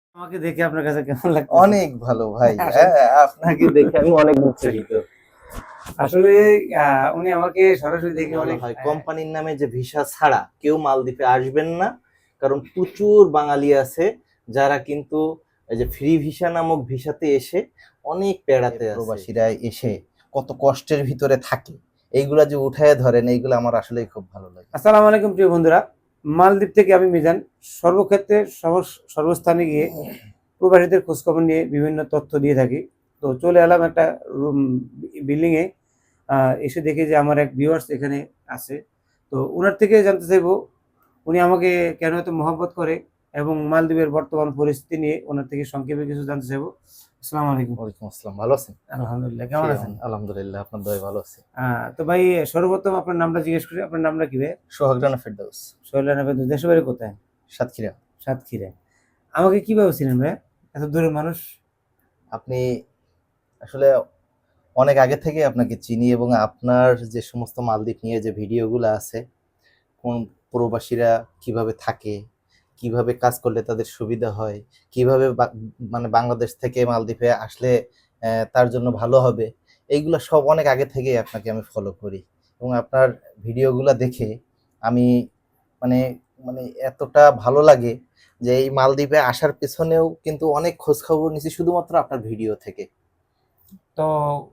আমাকে দেখে আপনার কাছে কেমন লাগছে? অনেক ভালো ভাই। আপনাকে দেখে আমি অনেক উৎসাহিত। আসলে উনি আমাকে সরাসরি দেখে ভালো অনেক হয় কোম্পানির নামে যে ভিসা ছাড়া কেউ মালদ্বীপে আসবেন না, কারণ প্রচুর বাঙালি আছে যারা কিন্তু এই যে ফ্রি ভিসা নামক ভিসাতে এসে অনেক পেড়াতে আছে। প্রবাসীরা এসে কত কষ্টের ভিতরে থাকে, এইগুলা যে উঠায় ধরেন, এইগুলো আমার আসলেই খুব ভালো লাগে। আসসালামু আলাইকুম প্রিয় বন্ধুরা, মালদ্বীপ থেকে আমি মিজান। সর্বক্ষেত্রে সর্বস্থানে গিয়ে প্রবাসীদের খোঁজখবর নিয়ে বিভিন্ন তথ্য দিয়ে থাকি। তো চলে এলাম একটা বিল্ডিংয়ে, এসে দেখি যে আমার এক ভিউয়ার্স এখানে আছে। তো ওনার থেকে জানতে চাইবো উনি আমাকে কেন এত মহব্বত করে এবং মালদ্বীপের বর্তমান পরিস্থিতি নিয়ে ওনার থেকে সংক্ষেপে কিছু জানতে চাইবো। আসসালামু আলাইকুম। ওয়ালাইকুম আসসালাম, ভালো আছেন? আলহামদুলিল্লাহ, কেমন আছেন? আলহামদুলিল্লাহ, আপনার দয় ভালো আছে। তো ভাই, সর্বপ্রথম আপনার নামটা জিজ্ঞেস করি, আপনার নামটা কি ভাই? সোহাগ রানা ফেরদৌস। সোহেল রানা ফেরদৌস। দেশের বাড়ি কোথায়? সাতক্ষীরা। সাতক্ষীরায়। আমাকে কিভাবে চিনেন ভাই, এত দূরের মানুষ? আপনি আসলে অনেক আগে থেকে আপনাকে চিনি, এবং আপনার যে সমস্ত মালদ্বীপ নিয়ে যে ভিডিওগুলো আছে, কোন প্রবাসীরা কিভাবে থাকে, কিভাবে কাজ করলে তাদের সুবিধা হয়, কিভাবে মানে বাংলাদেশ থেকে মালদ্বীপে আসলে তার জন্য ভালো হবে, এইগুলো সব অনেক আগে থেকেই আপনাকে আমি ফলো করি। এবং আপনার ভিডিওগুলো দেখে আমি মানে মানে এতটা ভালো লাগে যে এই মালদ্বীপে আসার পেছনেও কিন্তু অনেক খোঁজ খবর নিছি শুধুমাত্র আপনার ভিডিও থেকে। তো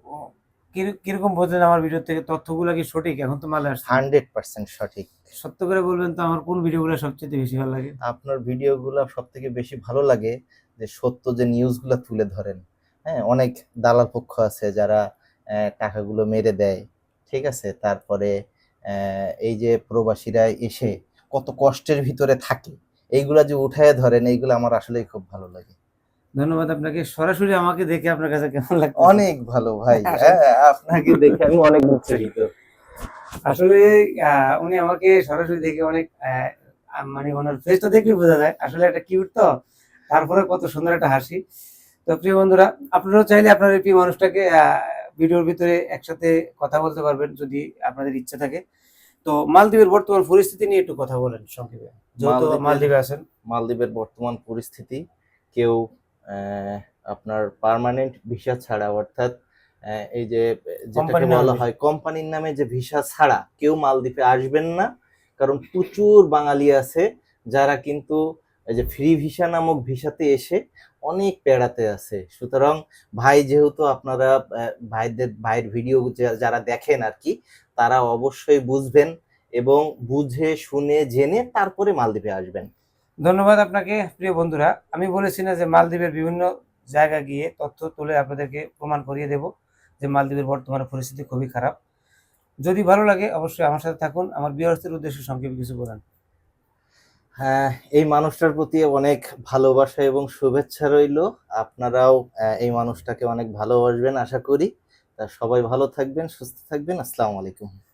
কিরকম বুঝলেন আমার ভিডিও থেকে? তথ্যগুলো কি সঠিক? এখন তো মালে আসছে। 100% সঠিক। সত্য করে বলবেন তো, আমার কোন ভিডিওগুলো সবচেয়ে বেশি ভালো লাগে? আপনার ভিডিওগুলো সবথেকে বেশি ভালো লাগে যে সত্য যে নিউজগুলো তুলে ধরেন। হ্যাঁ, অনেক দালাল পক্ষ আছে যারা টাকাগুলো মেরে দেয়, ঠিক আছে? তারপরে এই যে প্রবাসীরা এসে কত কষ্টের ভিতরে থাকে, এইগুলা যে উঠায় ধরেন, এইগুলো আমার আসলেই খুব ভালো লাগে। ধন্যবাদ আপনাকে। সরাসরি আমাকে দেখে আপনার কাছে কেমন লাগছে? অনেক ভালো ভাই। আপনাকে দেখে আমি অনেক উৎসাহিত। আসলে উনি আমাকে সরাসরি দেখে অনেক মানে ওনার ফেসটা দেখলে বোঝা যায় আসলে একটা কিউট তো, তারপরে কত সুন্দর একটা হাসি। তো প্রিয় বন্ধুরা, আপনারাও চাইলে আপনার এই প্রিয় মানুষটাকে ভিডিওর ভিতরে একসাথে কথা বলতে পারবেন যদি আপনাদের ইচ্ছা থাকে। তো মালদ্বীপের বর্তমান পরিস্থিতি নিয়ে একটু কথা বলেন সংক্ষেপে, যেহেতু মালদ্বীপে আছেন। মালদ্বীপের বর্তমান পরিস্থিতি, কেউ আপনার পার্মানেন্ট ভিসা ছাড়া, অর্থাৎ এই যে যেটাকে বলা হয় কোম্পানির নামে যে ভিসা ছাড়া কেউ মালদ্বীপে আসবেন না, কারণ প্রচুর বাঙালি আছে যারা কিন্তু এই যে ফ্রি ভিসা নামক ভিসাতে এসে অনেক পেড়াতে আছে। সুতরাং ভাই, যেহেতু আপনারা ভাইয়ের ভিডিও যারা দেখেন আর কি, তারা অবশ্যই বুঝবেন এবং বুঝে শুনে জেনে তারপরে মালদ্বীপে আসবেন। ধন্যবাদ আপনাকে। প্রিয় বন্ধুরা, আমি বলেছি না যে মালদ্বীপের বিভিন্ন জায়গা গিয়ে তথ্য তুলে আপনাদেরকে প্রমাণ করিয়ে দেব যে মালদ্বীপের বর্তমানে পরিস্থিতি খুবই খারাপ। যদি ভালো লাগে অবশ্যই আমার সাথে থাকুন। আমার ভিউয়ার্সদের উদ্দেশ্যে সংক্ষেপে কিছু বলেন। হ্যাঁ, এই মানুষটার প্রতি অনেক ভালোবাসা এবং শুভেচ্ছা রইল। আপনারাও এই মানুষটাকে অনেক ভালোবাসবেন আশা করি। তা সবাই ভালো থাকবেন, সুস্থ থাকবেন। আসসালামু আলাইকুম।